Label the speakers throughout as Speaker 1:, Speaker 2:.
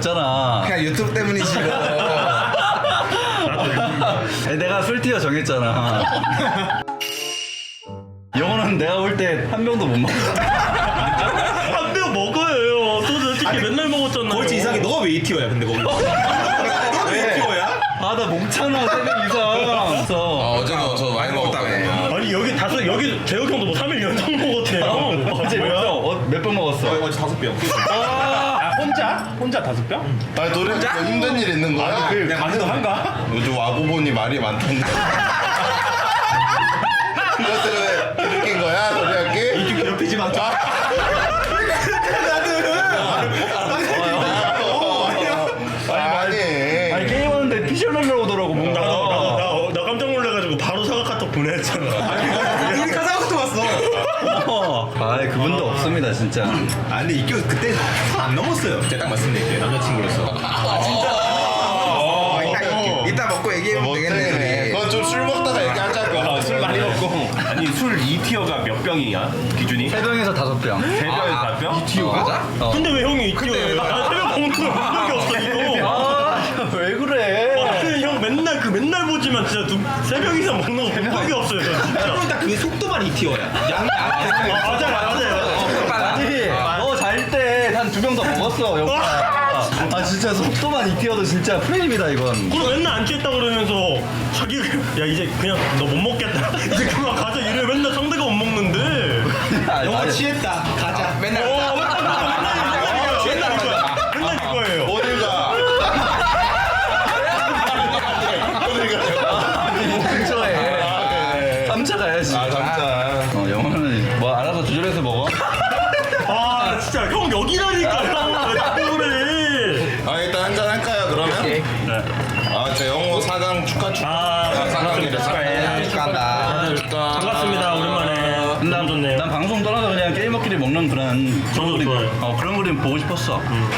Speaker 1: 먹잖아.
Speaker 2: 그냥 유튜브 때문이지.
Speaker 1: 내가 술티어 정했잖아. 영호는 내가 볼 때 한 병도 못 먹어.
Speaker 3: 한 병 먹어요. 소주 솔직히 맨날 먹었잖아.
Speaker 4: 거기 이상해. 너가 왜 2티어야 근데 거기? 너가 왜 2티어야?
Speaker 1: 아, 나 먹잖아, 3병 이상.
Speaker 2: 어제도 저 많이 먹었다며.
Speaker 3: 아니 여기 재혁 형도 뭐 3일 연속 먹었대요.
Speaker 1: 어제 몇 병 먹었어?
Speaker 4: 어제 5병.
Speaker 3: 아 혼자 5병?
Speaker 2: 아니 노래 힘든 일 있는 거야?
Speaker 4: 그냥 가능한가?
Speaker 2: 요즘 와보보니 말이 많던데. 그것들은 왜 느낀 거야, 노래할게?
Speaker 4: 이쪽 괴롭히지 마.
Speaker 1: 아니, 게임하는데 피셜 날라오더라고, 뭔가.
Speaker 3: 나 깜짝 놀라가지고 바로 사과 카톡 보냈잖아.
Speaker 4: 우리 카사오카토 왔어.
Speaker 1: 아이, 그분도 없습니다, 진짜.
Speaker 4: 아 근데 이교 그때 안 넘었어요. 제가 딱 말씀드릴게요. 남자친구로서.
Speaker 2: 이따 먹고 얘기해보면 되겠네. 그건 좀 술 먹다가 얘기하자고.
Speaker 4: 술 많이 먹고. 아니 술 2티어가 몇 병이야? 기준이?
Speaker 1: 3병에서 5병.
Speaker 4: 3병에서 5병?
Speaker 2: 2티어 맞아?
Speaker 3: 근데 왜 형이 이티어예요? 나 새벽 먹는 거본 적이 없어 이거.
Speaker 1: 아, 왜 그래?
Speaker 3: 근데 형 맨날 보지만 진짜 3병 이상 먹는 거 본 적이 없어요 저 진짜.
Speaker 4: 그럼 딱 그 속도만 2티어야. 양이 안 돼.
Speaker 3: 맞아요.
Speaker 1: 아니, 너 잘 때 한 2병 더 먹었어, 영호야. 아, 진짜 속도만 2티어도 진짜 프레임이다, 이건.
Speaker 3: 그리고 맨날 안 취했다 그러면서 자기 야 이제 그냥 너 못 먹겠다 이제 그만 가자 이래 맨날 상대가 못 먹는데
Speaker 4: 영화 취했다. 가자.
Speaker 2: 맨날
Speaker 3: 맨날 이거예요.
Speaker 2: 어딜 가?
Speaker 1: 근처에 3차 가야지.
Speaker 2: 아, 잠깐.
Speaker 1: 영호는 뭐 알아서 조절해서 먹어.
Speaker 3: 아 진짜 형 여기라니까 왜 자꾸 그래.
Speaker 2: 아, 일단 한잔 할까요, 그러면?
Speaker 3: 네.
Speaker 2: 아, 제 영호 4강 축하.
Speaker 3: 아
Speaker 2: 사강이래,
Speaker 3: 축하해.
Speaker 2: 축하한다. 축하.
Speaker 3: 반갑습니다 오랜만에. 너무 좋네요.
Speaker 1: 난 방송 떠나서 그냥 게임머끼리 먹는 그런
Speaker 3: 저도 좋아요.
Speaker 1: 그런 그림 보고 싶었어.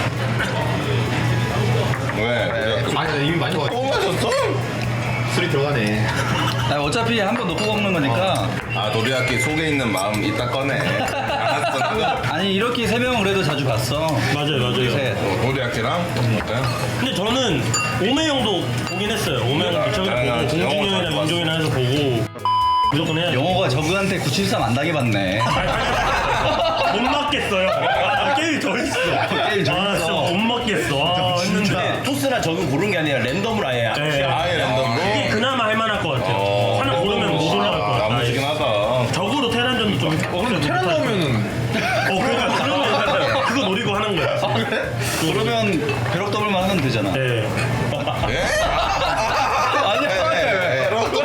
Speaker 2: 왜?
Speaker 4: 아니 이미 많이 먹었어.
Speaker 2: 또 마셨어?
Speaker 4: 술이 들어가네.
Speaker 1: 아, 어차피 한 번 넣고 먹는 거니까.
Speaker 2: 아, 노리학기 속에 있는 마음 이따 꺼내. 알았어, 나도.
Speaker 1: 아니, 이렇게 3명은 그래도 자주 봤어.
Speaker 3: 맞아요.
Speaker 1: 셋.
Speaker 2: 노리학기랑? 어때?
Speaker 3: 근데 저는 오메 형도 보긴 했어요. 오메 형도 최근에 보고 공준이 형이랑 민종이랑 해서 보고 무조건 해야 돼.
Speaker 1: 영호가 저그한테 973 안 당해봤네.
Speaker 3: 못 맞겠어요. 게임 더 있어.
Speaker 1: 게임 더
Speaker 3: 아,
Speaker 1: 있어.
Speaker 3: 진짜 못 맞겠어. 아, 했는데.
Speaker 4: 토스나 저거 고른 게 아니라 랜덤으로 아예.
Speaker 3: 네.
Speaker 2: 아예 랜덤으로?
Speaker 3: 이게 그나마 할만할 것 같아요. 하나 고르면 못 올라갈 것 같아.
Speaker 2: 나무지긴 하다.
Speaker 3: 적으로 테란전도 좀. 근데
Speaker 4: 테란 나오면은
Speaker 3: 그러니까 그러면 그거 노리고 하는 거야.
Speaker 1: 그러면 벼락 더블만 하면 되잖아.
Speaker 3: 네.
Speaker 2: 예?
Speaker 1: 아니야.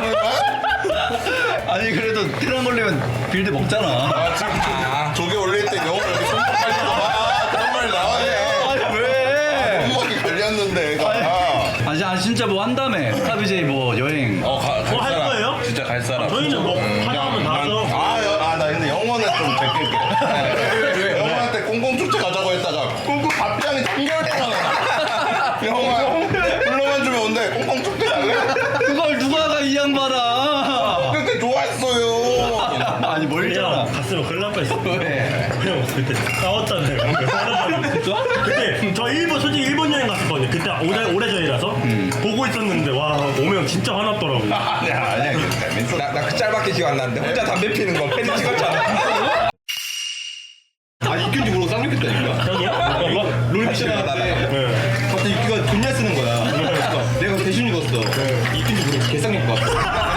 Speaker 1: 아니, 그래도 테란 걸리면 빌드 먹잖아.
Speaker 2: 아, 지금 조개 올릴 때 영어 여기 손목 깔리고 그런 말 나와요.
Speaker 1: 아니, 왜?
Speaker 2: 손목이 걸렸는데, 애가.
Speaker 1: 아니, 진짜 뭐 한다며. 스타비제이 뭐 여행.
Speaker 3: 할
Speaker 2: 사람.
Speaker 3: 거예요?
Speaker 2: 진짜 갈 사람.
Speaker 3: 저희는 뭐 하나하면 다 하죠.
Speaker 2: 나 근데 영어는 좀 제낄게. 왜? 영어한테 꽁꽁축제 가자고 했다가 꽁꽁 밥장이 3개월 동안 와. 영어야, 불러만 주면 온대. 꽁꽁축제 갈래?
Speaker 1: 그걸 누가 가, 이 양반아.
Speaker 2: 그때 좋아했어요.
Speaker 1: 아니, 멀잖아.
Speaker 3: 그냥 갔으면 큰일 날 뻔했어.
Speaker 1: 왜?
Speaker 3: 형 그때 싸웠잖아요. 그때 저 일본 솔직히 일본 여행 갔었거든요. 그때 오래전이라서 보고 있었는데 와 오면 진짜 화났더라고.
Speaker 2: 아니야, 재밌어.
Speaker 5: 나그 짤밖에 기억 안 나는데 혼자 담배 피는 거 팬이 찍었잖아.
Speaker 4: 아 이균지 모르고 쌍욕했다니까.
Speaker 3: 형이요?
Speaker 4: 롤 미션 나갔는데 갑자기 이끼가 존나 쓰는 거야. 그래서 내가 대신 읽었어. 이균지 모르고 개쌍욕 봐.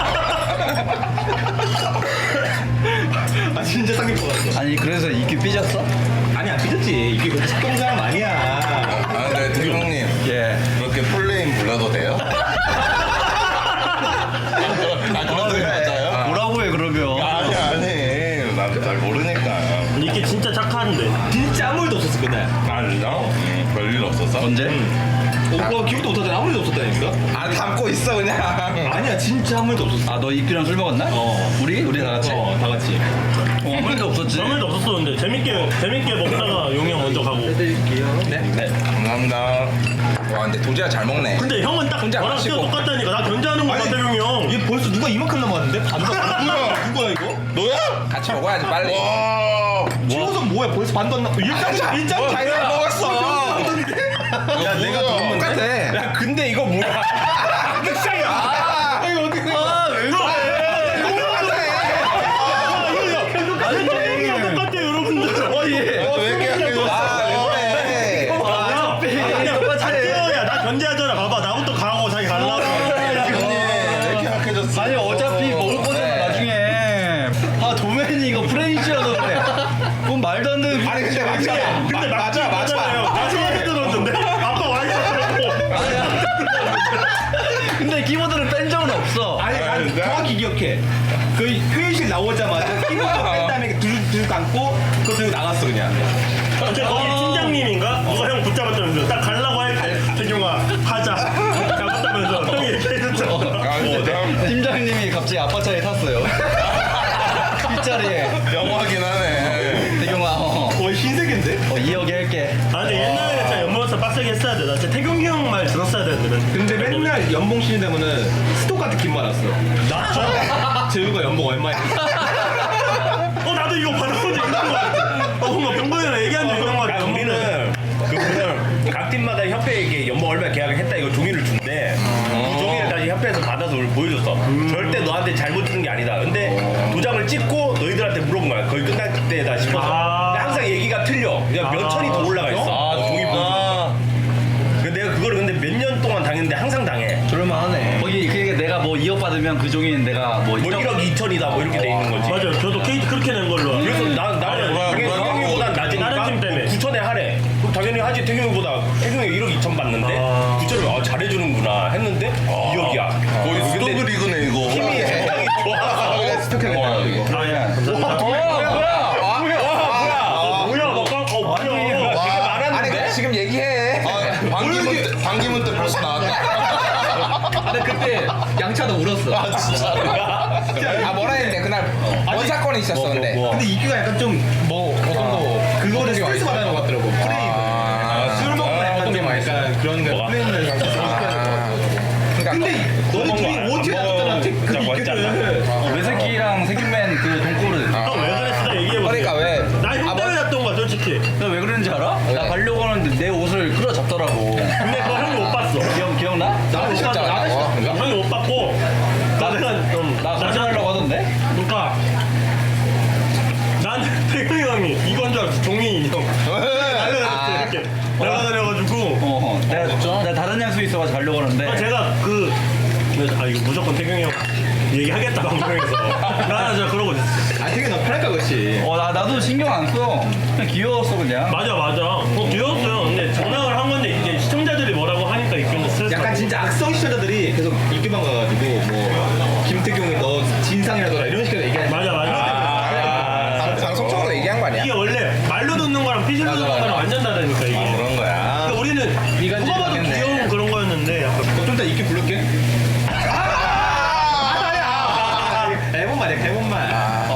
Speaker 4: 아 진짜 쌍욕 받았어.
Speaker 1: 아니, 그래서 이끼 삐졌어?
Speaker 4: 아니 안 삐졌지. 이게 그렇게 착한 사람 아니야.
Speaker 2: 아, 근데 드경님
Speaker 1: 예.
Speaker 2: 그렇게 풀네임 불러도 돼요? 그런 소리 맞아요?
Speaker 1: 뭐라고 해, 그러면.
Speaker 2: 아니, 나도 잘 모르니까.
Speaker 3: 이게 진짜 착한데.
Speaker 4: 진짜 아무 일도 없었어 그날.
Speaker 2: 아, 진짜? 별일 없었어?
Speaker 1: 언제?
Speaker 4: 오빠 기억도 못하잖아. 아무 일도 없었다니까.
Speaker 5: 아 담고 있어 그냥.
Speaker 4: 아니야 진짜 아무 일도 없었어.
Speaker 1: 아, 너 이끼랑 술 먹었나? 우리 다 같이?
Speaker 4: 다 같이.
Speaker 1: 아무 일도 없었지.
Speaker 3: 아무 일도 없었었는데 재밌게 먹다가 용이 형 먼저 가고.
Speaker 5: 네.
Speaker 2: 감사합니다.
Speaker 5: 와 근데 도지가 잘 먹네.
Speaker 3: 근데 형은 딱
Speaker 5: 혼자
Speaker 3: 저랑
Speaker 5: 마시고.
Speaker 3: 진짜 똑같다니까. 나 견제하는 거 같아 용이 형.
Speaker 4: 얘 벌써 누가 이만큼 남았는데? 반 누구야 이거?
Speaker 2: 너야?
Speaker 5: 같이 먹어야지 빨리.
Speaker 2: 와.
Speaker 4: 최우선 뭐야? 벌써 반도 안 남았어. 일장
Speaker 5: 일장 자기가 먹었어.
Speaker 2: 야 내가 더
Speaker 5: 똑같아. 야 근데 이거 뭐야? 이거 어떻게 된 거야?
Speaker 1: 아왜 그래?
Speaker 3: 똑같아요 여러분들.
Speaker 2: 왜 이렇게 약해졌어?
Speaker 3: 야, 나 견제하잖아. 봐봐, 나부터 가고 자기 갈라고.
Speaker 2: 왜 이렇게 약해졌어?
Speaker 1: 아니 어차피 먹을 거잖아 나중에. 아 도맨이 이거 프레이즈여서 그래. 그건 말도 안 되는.
Speaker 5: 아니 근데 맞아.
Speaker 3: 근데
Speaker 5: 맞아.
Speaker 3: 맞잖아요. 나 소리 들었는데 아빠 와 있었고.
Speaker 1: 근데 키보드를 뺀 적은 없어.
Speaker 4: 아니 정확히 기억해. 그 회의실 나오자마자 키보드 뺀 다음에 둘 감고 그거 들고 나갔어 그냥.
Speaker 3: 근데 거기 팀장님인가? 누가 형 붙잡았다면서 딱 갈라고 할 때 태경아 하자 잡았다면서 형이 얘기해줬죠.
Speaker 1: 팀장님이 갑자기 아빠 차에 탔어요. 뒷자리에.
Speaker 2: 영화긴 하네.
Speaker 1: 대경아
Speaker 4: 거의 신세계인데?
Speaker 1: 2억에 할게.
Speaker 3: 아니 옛날에 진짜 연봉에서 빡세게 했어야 돼. 나 진짜 태경이 형 말 들었어야 되는데.
Speaker 4: 근데 맨날 연봉 쉬는 되면은 스토커한테 긴 말았어.
Speaker 3: 나?
Speaker 4: 재우가 연봉 얼마야?
Speaker 3: 나도 이거 받아본 적 있는 거 같아. 뭔가 병건이랑 얘기한 적 있는 거 같아.
Speaker 6: 우리는 그분은 각 팀마다 협회에게 연봉 얼마 계약을 했다 이거 종이를 준대. 그 종이를 다시 협회에서 받아서 우리 보여줬어. 절대 너한테 잘못 들은 게 아니다. 근데 도장을 찍고 너희들한테 물어본 거야. 거의 끝날 때다 싶어서. 근데 항상 얘기가 틀려. 그냥 몇 천이 더 올라가 있어. 종이 보여줘. 내가 그거를 근데 몇 년 동안 당했는데 항상 당해.
Speaker 1: 그럴만하네. 거기 그게 내가 뭐 2억 받으면 그 종이는 내가 뭐
Speaker 6: 뭐 1억 2천이다 뭐 이렇게 돼 있는 거지.
Speaker 3: 맞아요. 저도 케이트 그렇게 낸 걸로. 알아요.
Speaker 6: 그래서 나는 당연히 태경이보단 낮으니까
Speaker 3: 다른 팀 때문에.
Speaker 6: 9천에 하래. 그럼 당연히 하지. 태경이보다 태경이 1억 2천 받는데 9천을 잘해주는구나 했는데 2억이야.
Speaker 2: 거의 스토브 리그네 이거.
Speaker 6: 힘이 굉장히 좋아.
Speaker 2: 스토브리그야 이거.
Speaker 5: 아니 지금 얘기해.
Speaker 2: 반기문 때 벌써 나왔다.
Speaker 1: 근데 그때 양차도 울었어.
Speaker 2: 아 진짜.
Speaker 5: 아 뭐라 했는데 그날 뭔 사건이 있었어 근데.
Speaker 4: 근데 이규가 약간 좀 뭐 어떤 거 그거를 스트레스 받는 것 같더라고. 프레임. 술 먹고 약간 좀 약간 그런 거 프레임을
Speaker 5: 그러니까
Speaker 4: 근데 너네 둘이 OT 나갔잖아. 그 이규를.
Speaker 1: 외새끼랑 새끼맨 그 돈꼬르.
Speaker 3: 왜 그랬어? 얘기해보세요.
Speaker 5: 그러니까 왜?
Speaker 3: 나형 때문에 났던 거야 솔직히.
Speaker 1: 나 왜 그랬는지 알아? 나 가려고 하는데 내 옷을 끌어잡더라고.
Speaker 3: 근데 그거 형이 못 봤어.
Speaker 1: 기억나?
Speaker 5: 나도 진짜
Speaker 3: 형이 못 봤고 내가 좀
Speaker 1: 나 거짓말하려고 하던데?
Speaker 3: 그러니까 난 태경이 형이 이건 줄 알았어. 종이 인형 날려다녔어 이렇게 날아다녀가지고
Speaker 1: 내가 다른 약속이 있어가지고 가려고 하는데
Speaker 3: 제가 이거 무조건 태경이 형 얘기하겠다 방송에서 나 진짜 그러고 있었어.
Speaker 4: 아 되게 너 편할까 그렇지.
Speaker 1: 나도 신경 안 써. 그냥 귀여웠어 그냥.
Speaker 3: 맞아 귀여웠어요. 근데 장난을 한 건데 이제 시청자들이 뭐라고 하니까 이거는 스트레스
Speaker 4: 약간 진짜 악성 시청자들이 계속 유튜브만 가가지고 뭐 김태경이 너 진상이라더라 이런 식으로 얘기하는.
Speaker 3: 맞아
Speaker 5: 방송적으로 얘기한 거 아니야?
Speaker 3: 이게 원래 말로 듣는 거랑 피실로 듣는 거랑 완전 다르니까 이게
Speaker 2: 그런 거야.
Speaker 3: 그러니까 우리는 누가 봐도 귀여운 그런 거였는데 약간
Speaker 4: 좀 이따 이끼 부를게. 해본만 해 해본만.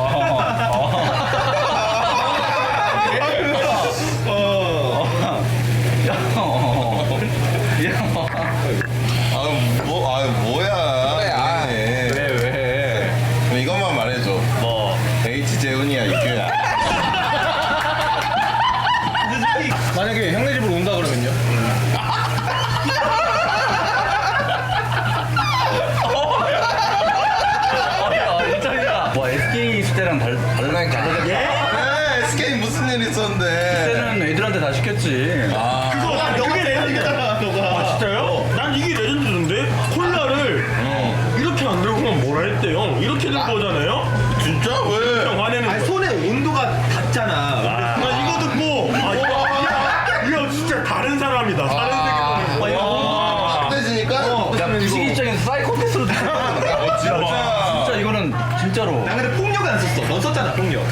Speaker 2: 뭐야.
Speaker 5: 왜?
Speaker 2: 그럼 이것만 말해줘.
Speaker 1: 뭐
Speaker 2: H 재훈이야 이규야.
Speaker 4: 만약에 형네 집으로 온다 그러면요?
Speaker 1: 뭐 SK 있을 때랑
Speaker 5: 그러니까.
Speaker 2: SK 무슨 일 있었는데?
Speaker 1: 그때는 애들한테 다 시켰지.
Speaker 3: 그게 레전드잖아 너가. 진짜요? 난 이게 레전드인데 콜라를 이렇게 안 들고만 뭐라 했대요. 이렇게 들고 오잖아요.
Speaker 2: 진짜 왜?
Speaker 3: 형 화내는
Speaker 4: 아니
Speaker 3: 거.
Speaker 4: 손에 온도가 닿잖아.
Speaker 3: 나 이거 듣고 이거 진짜 다른 사람이다. 다른 세계.
Speaker 2: 안 되지니까?
Speaker 1: 부식 입장에서 사이코패스로 진짜 이거는 진짜로.
Speaker 4: 나 근데 폭력은 안 썼어. 넌 썼잖아 폭력.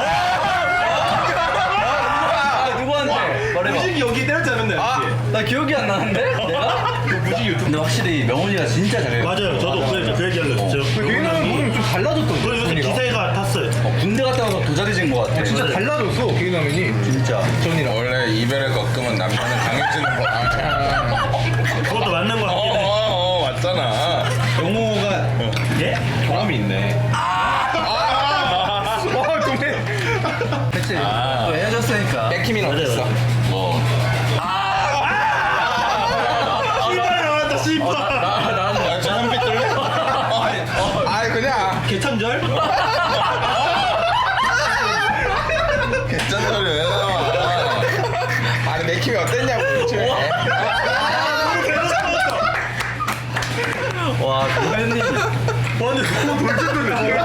Speaker 1: 누구한테? 말해봐.
Speaker 4: 무식이 여기 때렸잖아 맨날.
Speaker 1: 나 기억이 안 나는데? 내가?
Speaker 4: 무식이 유튜브.
Speaker 1: 근데 확실히 명훈이가 진짜 잘해.
Speaker 3: 맞아요. 저도 그 얘기하려고 했어요.
Speaker 4: 걔는 몸이 좀 달라졌던데.
Speaker 3: 그리고 요새 기세가 탔어요.
Speaker 1: 군대 갔다 와서 도자리진 것 같아.
Speaker 4: 진짜 달라졌어. 개그남이니.
Speaker 1: 진짜.
Speaker 2: 원래 이별을 겪으면 남자는 강해지는 거야.
Speaker 3: 그것도 맞는 거 같긴 해.
Speaker 2: 맞잖아.
Speaker 4: 영호가
Speaker 3: 예?
Speaker 4: 경험이 있네.
Speaker 1: 그치. 또 헤어졌으니까.
Speaker 5: 백희민 어땠어?
Speaker 2: 뭐.
Speaker 1: 와, 조현님.
Speaker 3: 완전 그거 돌진돌이